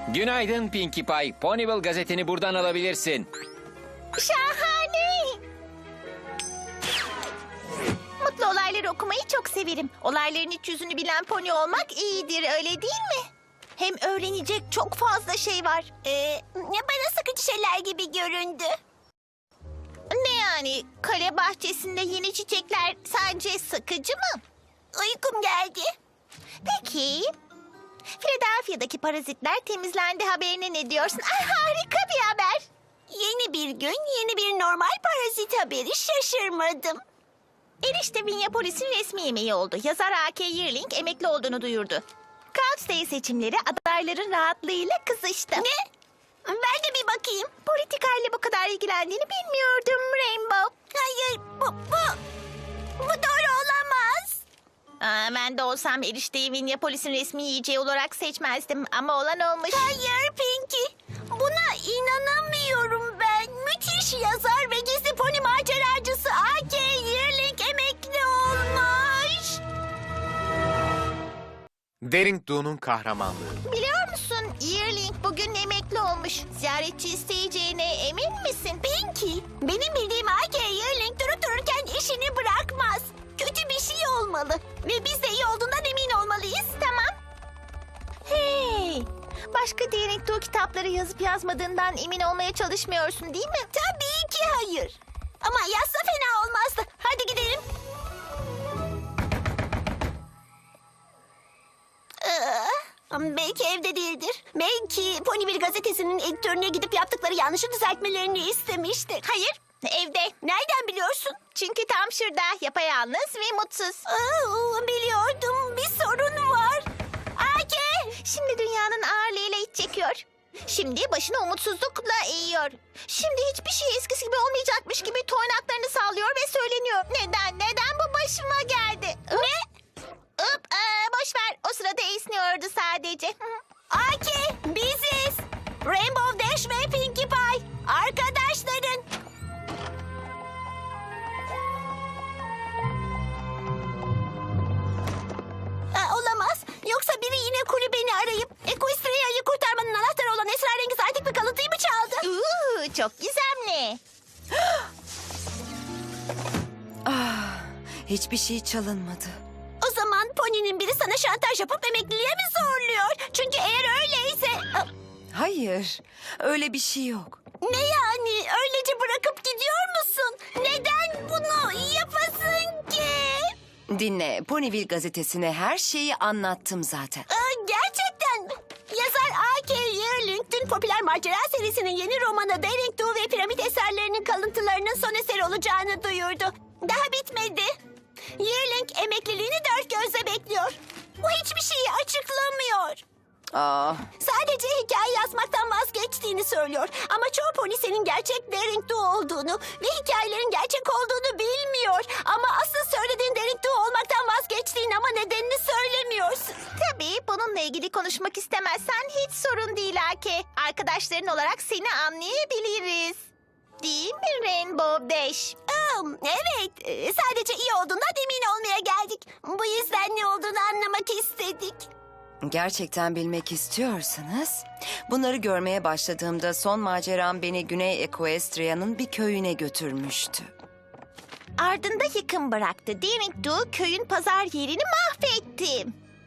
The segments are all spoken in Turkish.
Günaydın Pinkie Pie. Ponyville gazeteni buradan alabilirsin. Şahane. Mutlu olayları okumayı çok severim. Olayların iç yüzünü bilen pony olmak iyidir, öyle değil mi? Hem öğrenecek çok fazla şey var. Bana sıkıcı şeyler gibi göründü. Ne yani? Kale bahçesinde yeni çiçekler sadece sıkıcı mı? Uykum geldi. Peki. Philadelphia'daki parazitler temizlendi haberine ne diyorsun? Ay, harika bir haber. Yeni bir gün, yeni bir normal parazit haberi, şaşırmadım. Erişte Minneapolis'in resmi yemeği oldu. Yazar A.K. Yearling emekli olduğunu duyurdu. Couch Day seçimleri adayların rahatlığıyla kızıştı. Ne? Ben de bir bakayım. Politikayla bu kadar ilgilendiğini bilmiyordum Rainbow. Hayır, bu doğru olamaz. Ben de olsam erişteyi Minneapolis'in resmi yiyeceği olarak seçmezdim ama olan olmuş. Hayır Pinky, buna inanamıyorum ben. Müthiş yazar ve gizli pony maceracısı A.K. Yearling emekli olmuş. Daring Do'nun kahramanlığı. Biliyor musun, Yearling bugün emekli olmuş. Ziyaretçi isteyeceğine emin misin? Pinky, benim bildiğim A.K. Yearling durup dururken işini bırakmaz. Kötü bir şey olmalı ve biz de iyi olduğundan emin olmalıyız. Tamam. Hey, başka Daring Do kitapları yazıp yazmadığından emin olmaya çalışmıyorsun değil mi? Tabii ki hayır. Ama yazsa fena olmazdı. Hadi gidelim. Belki evde değildir. Belki Ponyville gazetesinin editörüne gidip yaptıkları yanlışı düzeltmelerini istemiştir. Hayır, evde. Nereden biliyorsun? Çünkü tam şurada, yapayalnız ve mutsuz. Biliyordum, bir sorun var. Ake! Şimdi dünyanın ağırlığıyla iç çekiyor. Şimdi başını umutsuzlukla eğiyor. Şimdi hiçbir şey eskisi gibi olmayacakmış gibi toynaklarını sallıyor ve söyleniyor. Neden bu başıma geldi? Ne? Boş ver. O sırada esniyordu sadece. Aki, biziz. Rainbow Dash ve Pinkie Pie. Arkadaşların. Olamaz. Yoksa biri yine kulübeni arayıp Equestria'yı kurtarmanın anahtarı olan esrarengiz antik bir kalıntıyı mı çaldı? Çok gizemli. Hiçbir şey çalınmadı. O zaman Pony'nin biri sana şantaj yapıp emekliliğe mi zorluyor? Çünkü eğer öyleyse... Hayır, öyle bir şey yok. Ne yani? Öylece bırakıp gidiyor musun? Neden bunu yapasın ki? Dinle, Ponyville gazetesine her şeyi anlattım zaten. Gerçekten mi? Yazar A.K. Yearling dün popüler macera serisinin yeni romanı Daring Do ve Piramit eserlerinin kalıntılarının son eseri olacağını duyurdu. Daha bitmedi. Yearling emekliliğini dört gözle bekliyor. Bu hiçbir şeyi açıklamıyor. Sadece hikaye yazmaktan vazgeçtiğini söylüyor. Ama çoğu pony senin gerçek Daring Do olduğunu ve hikayelerin gerçek olduğunu bilmiyor. Ama asıl söylediğin Daring Do olmaktan vazgeçtiğin ama nedenini söylemiyorsun. Tabii bununla ilgili konuşmak istemezsen hiç sorun değil Ake. Arkadaşların olarak seni anlayabiliriz. Değil mi Rainbow Dash? Evet, sadece iyi olduğundan emin olmaya geldik. Bu yüzden ne olduğunu anlamak istedik. Gerçekten bilmek istiyorsanız, bunları görmeye başladığımda son maceram beni Güney Equestria'nın bir köyüne götürmüştü. Ardında yıkım bıraktı. Daring Do köyün pazar yerini mahvetti.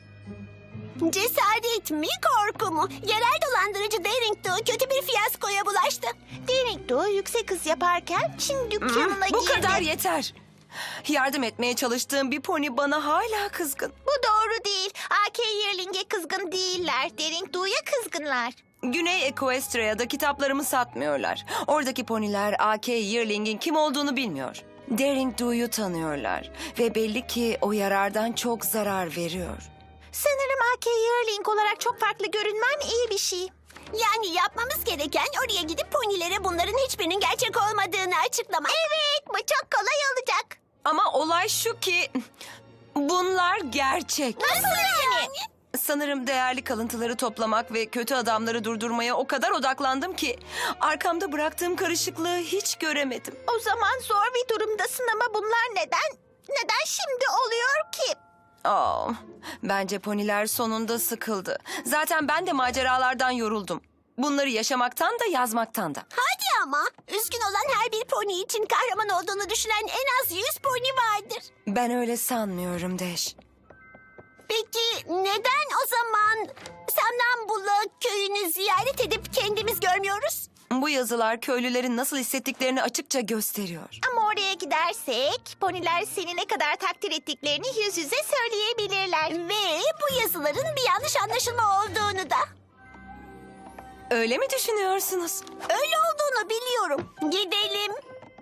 Cesaret mi korku mu? Yerel dolandırıcı Daring Do kötü bir fiyaskoya bulaştı. Daring Do yüksek hız yaparken Çin dükkanına girdi. Bu kadar yeter. Yardım etmeye çalıştığım bir pony bana hala kızgın. Bu doğru değil. A.K. Yearling'e kızgın değiller. Daring Do'ya kızgınlar. Güney Equestria'da kitaplarımı satmıyorlar. Oradaki poniler A.K. Yearling'in kim olduğunu bilmiyor. Daring Do'yu tanıyorlar ve belli ki o yarardan çok zarar veriyor. Sanırım A.K. Yearling olarak çok farklı görünmem iyi bir şey. Yani yapmamız gereken oraya gidip ponilere bunların hiçbirinin gerçek olmadığını açıklamak. Evet, bu çok kolay olacak. Ama olay şu ki bunlar gerçek. Nasıl yani? Sanırım değerli kalıntıları toplamak ve kötü adamları durdurmaya o kadar odaklandım ki arkamda bıraktığım karışıklığı hiç göremedim. O zaman zor bir durumdasın ama bunlar neden şimdi oluyor ki? Bence poniler sonunda sıkıldı. Zaten ben de maceralardan yoruldum. Bunları yaşamaktan da yazmaktan da. Hadi ama. Üzgün olan her bir pony için kahraman olduğunu düşünen en az 100 pony vardır. Ben öyle sanmıyorum Deş. Peki neden o zaman Samnambula köyünü ziyaret edip kendimiz görmüyoruz? Bu yazılar köylülerin nasıl hissettiklerini açıkça gösteriyor. Ama oraya gidersek poniler seni ne kadar takdir ettiklerini yüz yüze söyleyebilirler. Ve bu yazıların bir yanlış anlaşılma olduğunu da. Öyle mi düşünüyorsunuz? Öyle olduğunu biliyorum. Gidelim.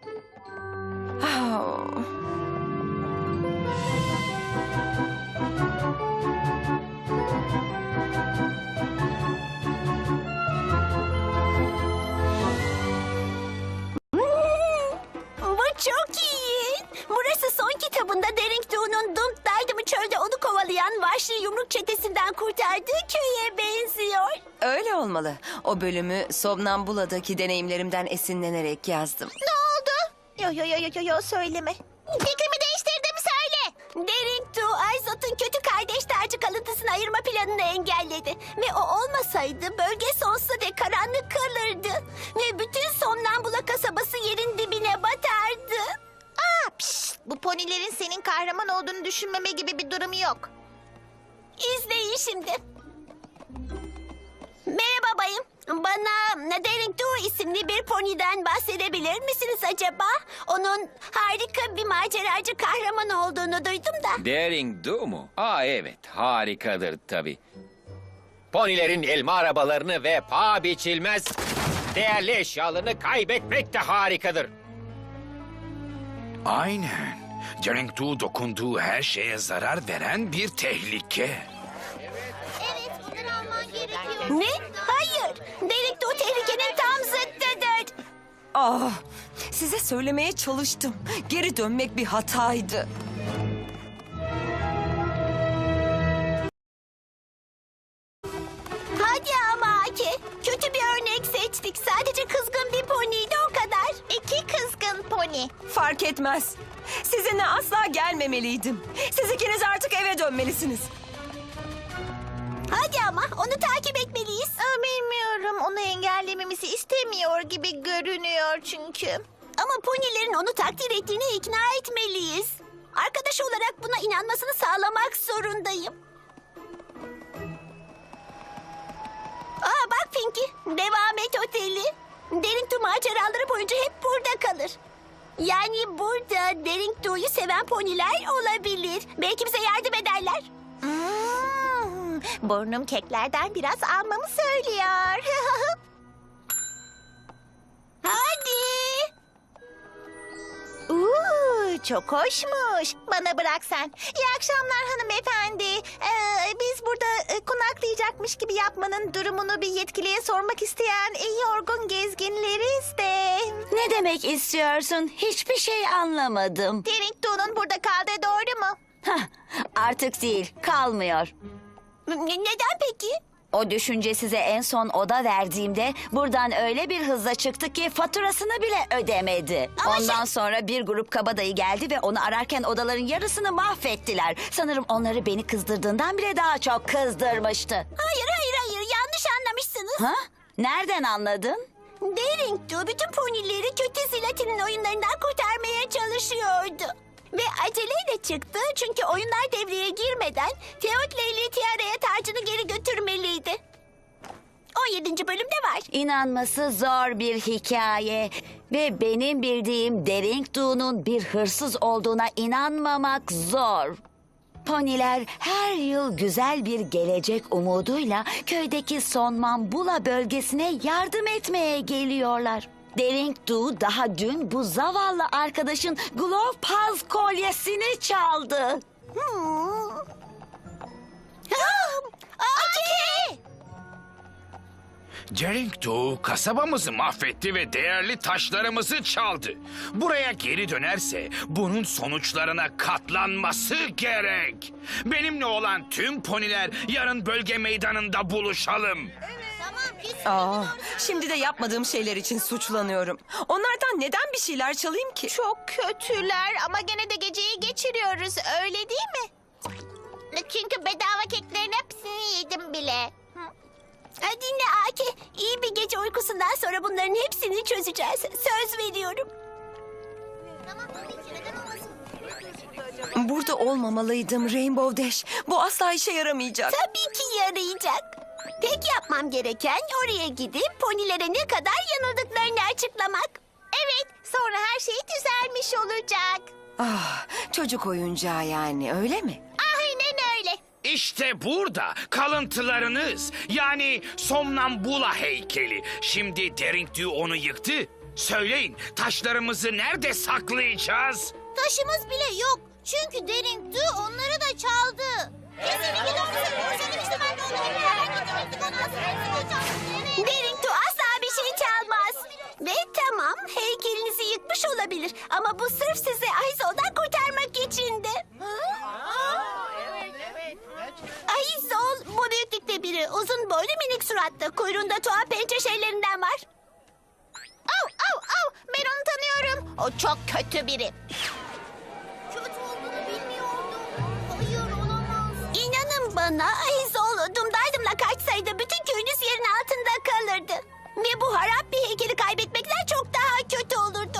Ah. Bu çok iyi. Burası son kitabında Derek Doo'nun Dump Dydam'ı çölde onu kovalayan vahşi yumruk çetesinden kurtardığı köye benziyor. Öyle olmalı. O bölümü Somnambula'daki deneyimlerimden esinlenerek yazdım. Ne oldu? Yo söyleme. Fikrimi değiştirdim söyle. Derek Doo, Aizot'un kötü kardeş tacı kalıntısını ayırma planını engelledi. Ve o olmasaydı bölge sonsuza dek karanlık kalırdı. Ve bütün Somnambula kasabası yerin dibine batardı. Bu ponilerin senin kahraman olduğunu düşünmeme gibi bir durumu yok. İzleyin şimdi. Merhaba bayım. Bana Derek Doo isimli bir poniden bahsedebilir misiniz acaba? Onun harika bir maceracı kahraman olduğunu duydum da. Daring Do mu? Evet, harikadır tabii. Ponilerin elma arabalarını ve paha biçilmez değerli eşyalarını kaybetmek de harikadır. Aynen. Daring Do dokunduğu her şeye zarar veren bir tehlike. Evet, bunları alman gerekiyor. Ne? Hayır. Derek Doo tehlikenin tam zıttıdır. Size söylemeye çalıştım. Geri dönmek bir hataydı. Hadi ama Aki. Kötü bir örnek seçtik. Sadece kızgın bir poniydi o kadar. 2 kızgın pony. Fark etmez. Sizinle asla gelmemeliydim. Siz ikiniz artık eve dönmelisiniz. Hadi ama onu takip etmeliyiz. Bilmiyorum. Onu engellememizi istemiyor gibi görünüyor çünkü. Ama ponilerin onu takdir ettiğine ikna etmeliyiz. Arkadaş olarak buna inanmasını sağlamak zorundayım. Bak Pinky. Devam et oteli. Derek Doo maceraları boyunca hep burada kalır. Yani burada Derek Doo'yu seven poniler olabilir. Belki bize yardım ederler. Burnum keklerden biraz almamı söylüyor. Hadi. Çok hoşmuş. Bana bırak sen. İyi akşamlar hanımefendi. Biz burada konaklayacakmış gibi yapmanın durumunu bir yetkiliye sormak isteyen yorgun gezginleriz de. Ne demek istiyorsun? Hiçbir şey anlamadım. Derek Doo'nun burada kaldığı doğru mu? Hah, artık değil, kalmıyor. Neden peki? O düşünce size en son oda verdiğimde buradan öyle bir hızla çıktı ki faturasını bile ödemedi. Ama Ondan sonra bir grup kabadayı geldi ve onu ararken odaların yarısını mahvettiler. Sanırım onları beni kızdırdığından bile daha çok kızdırmıştı. Hayır yanlış anlamışsınız. Ha? Nereden anladın? Derek Doo bütün ponileri kötü Zlatin'in oyunlarından kurtarmaya çalışıyordu. Ve aceleyle çıktı çünkü oyunlar devreye girmeden Teotle ile Tiara'ya tacını geri götürmeliydi. 17. bölümde var. İnanması zor bir hikaye ve benim bildiğim Derek Doo'nun bir hırsız olduğuna inanmamak zor. Poniler her yıl güzel bir gelecek umuduyla köydeki Somnambula bölgesine yardım etmeye geliyorlar. Derek Doo daha dün bu zavallı arkadaşın Glove Paz kolyesini çaldı. Aki! Daring Do kasabamızı mahvetti ve değerli taşlarımızı çaldı. Buraya geri dönerse bunun sonuçlarına katlanması gerek. Benimle olan tüm poniler yarın bölge meydanında buluşalım. Şimdi de yapmadığım şeyler için suçlanıyorum. Onlardan neden bir şeyler çalayım ki? Çok kötüler ama gene de geceyi geçiriyoruz öyle değil mi? Çünkü bedava keklerin hepsini yedim bile. Dinle Aki. İyi bir gece uykusundan sonra bunların hepsini çözeceğiz. Söz veriyorum. Burada olmamalıydım Rainbow Dash. Bu asla işe yaramayacak. Tabii ki yarayacak. Tek yapmam gereken oraya gidip ponilere ne kadar yanıldıklarını açıklamak. Evet, sonra her şey düzelmiş olacak. Ah, çocuk oyuncağı yani, öyle mi? Aynen öyle. İşte burada kalıntılarınız, yani Somnambula heykeli. Şimdi Daring Do onu yıktı. Söyleyin, taşlarımızı nerede saklayacağız? Taşımız bile yok. Çünkü Daring Do onları da çaldı. Kesinlikle doğru söylüyorsun. Ben de Daring Do asla bir şey çalmaz. Ve tamam, heykelinizi yıkmış olabilir. Ama bu sırf sizi Aizol'dan kurtarmak içindi. Aizol, bu büyüklükte biri. Uzun boylu minik suratlı. Kuyruğunda tuhaf pençe şeylerinden var. Au, au, au. Ben onu tanıyorum. O çok kötü biri. Kötü olduğunu bilmiyordum. Hayır, olamaz. İnanın bana, Aizol dumdaydımla kaçsaydı bütün köyünüz yerin altında kalırdı. Ve bu harap bir heykeli kaybetmekten çok daha kötü olurdu.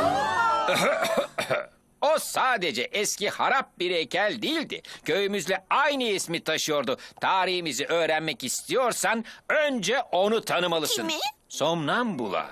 O sadece eski harap bir heykel değildi. Köyümüzle aynı ismi taşıyordu. Tarihimizi öğrenmek istiyorsan önce onu tanımalısın. Kimi? Somnambula.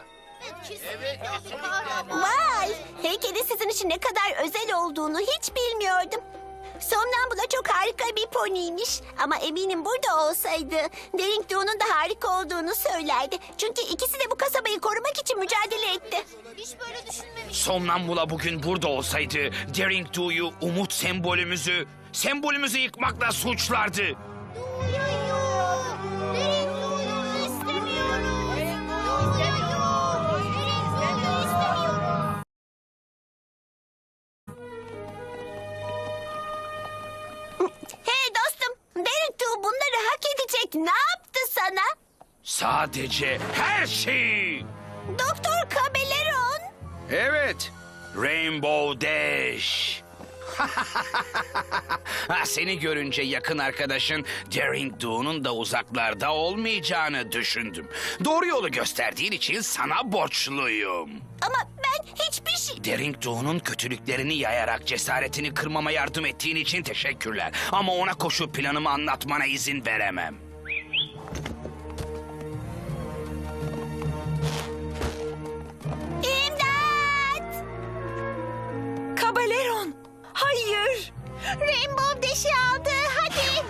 Vay! Heykelin sizin için ne kadar özel olduğunu hiç bilmiyordum. Somnambula çok harika bir poniymiş. Ama eminim burada olsaydı Daring Do'nun da harika olduğunu söylerdi. Çünkü ikisi de bu kasabayı korumak için mücadele etti. Hiç böyle düşünmemiştim. Somnambula bugün burada olsaydı Daring Do'yu, umut sembolümüzü yıkmakla suçlardı. Hey dostum, Daring Do bunları hak edecek ne yaptı sana? Sadece her şeyi. Doktor Kabeleron. Evet, Rainbow Dash. Seni görünce yakın arkadaşın Daring Do'nun da uzaklarda olmayacağını düşündüm. Doğru yolu gösterdiğin için sana borçluyum. Ama ben hiçbir şey... Daring Do'nun kötülüklerini yayarak cesaretini kırmama yardım ettiğin için teşekkürler. Ama ona koşu planımı anlatmana izin veremem. İmdat! Kabaleron! Hayır! Rainbow Dash'i aldı, hadi!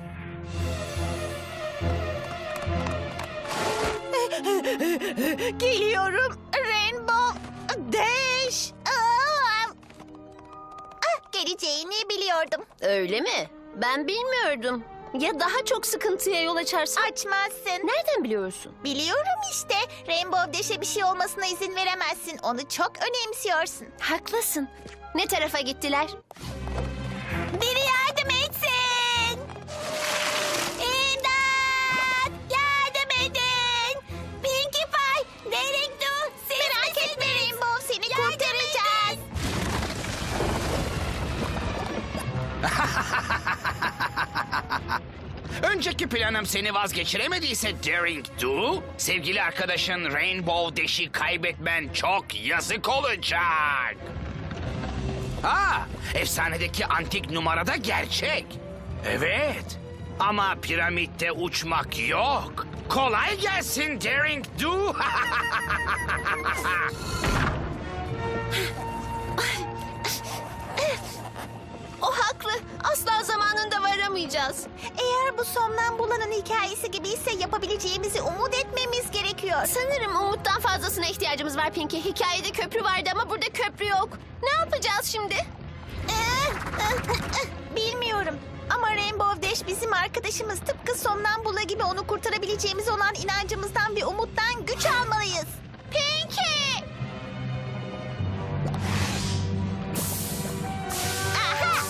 Geliyorum, Rainbow Dash! Geleceğini biliyordum. Öyle mi? Ben bilmiyordum. Ya daha çok sıkıntıya yol açarsan? Açmazsın. Nereden biliyorsun? Biliyorum işte. Rainbow Dash'e bir şey olmasına izin veremezsin. Onu çok önemsiyorsun. Haklısın. Ne tarafa gittiler? Biri yardım etsin. İmdat! Yardım edin. Pinkie Pie, Daring Do, siz merak etme Rainbow, seni kurtaracağız. Önceki planım seni vazgeçiremediyse Daring Do, sevgili arkadaşın Rainbow Dash'i kaybetmen çok yazık olacak. Efsanedeki antik numarada gerçek. Evet. Ama piramitte uçmak yok. Kolay gelsin Daring Do. O haklı. Asla zamanında varamayacağız. Eğer bu Somnambula'nın hikayesi gibiyse yapabileceğimizi umut etmemiz gerekiyor. Sanırım umuttan fazlasına ihtiyacımız var Pinky. Hikayede köprü vardı ama burada köprü yok. Ne yapacağız şimdi? Bilmiyorum. Ama Rainbow Dash bizim arkadaşımız. Tıpkı Somnambula gibi onu kurtarabileceğimiz olan inancımızdan ve umuttan güç almalıyız. Pinky! Aha!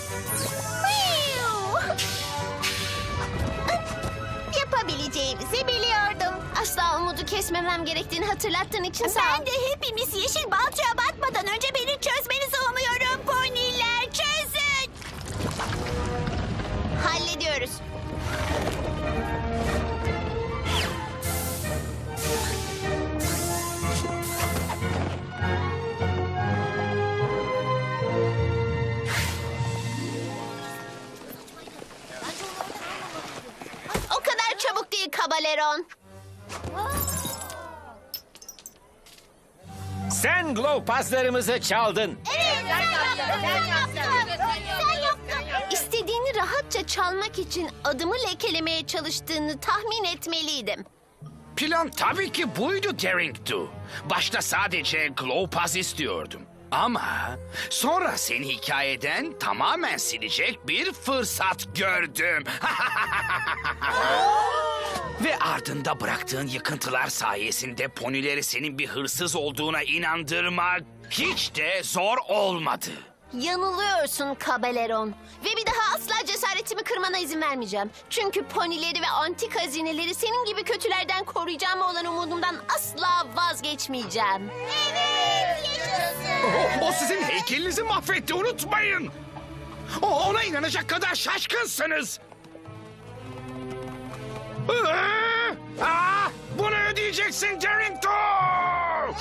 Yapabileceğimizi biliyordum. Asla umudu kesmemem gerektiğini hatırlattığın için sağ ol. Ben de hepimiz yeşil balçığa batmadan önce beni çözmenizi umuyorum poniler. Çözün! başlıyoruz. O kadar çabuk değil Kabaleron. Sen glow paslarımızı çaldın. İstediğini rahatça çalmak için adımı lekelemeye çalıştığını tahmin etmeliydim. Plan tabii ki buydu Derrington. Başta sadece Glowpass istiyordum. Ama sonra seni hikayeden tamamen silecek bir fırsat gördüm. Ve ardında bıraktığın yıkıntılar sayesinde ponileri senin bir hırsız olduğuna inandırmak hiç de zor olmadı. Yanılıyorsun Kabaleron. Ve bir daha asla cesaretimi kırmana izin vermeyeceğim. Çünkü ponileri ve antik hazineleri senin gibi kötülerden koruyacağım olan umudumdan asla vazgeçmeyeceğim. Evet, yaşasın. O sizin heykelinizi mahvetti, unutmayın. Ona inanacak kadar şaşkınsınız. Bunu ödeyeceksin Derrington!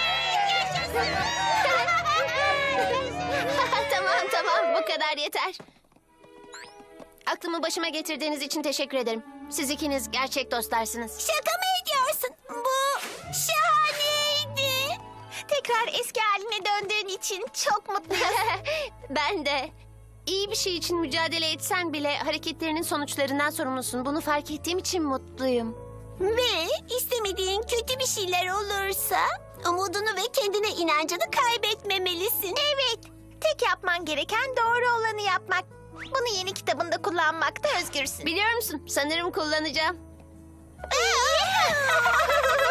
Tamam bu kadar yeter. Aklımı başıma getirdiğiniz için teşekkür ederim. Siz ikiniz gerçek dostlarsınız. Şaka mı ediyorsun? Bu şahaneydi. Tekrar eski haline döndüğün için çok mutluyum. Ben de. İyi bir şey için mücadele etsen bile hareketlerinin sonuçlarından sorumlusun. Bunu fark ettiğim için mutluyum. Ve istemediğin kötü bir şeyler olursa umudunu ve kendine inancını kaybetmemelisin. Evet. Tek yapman gereken doğru olanı yapmak. Bunu yeni kitabında kullanmakta özgürsün. Biliyor musun? Sanırım kullanacağım.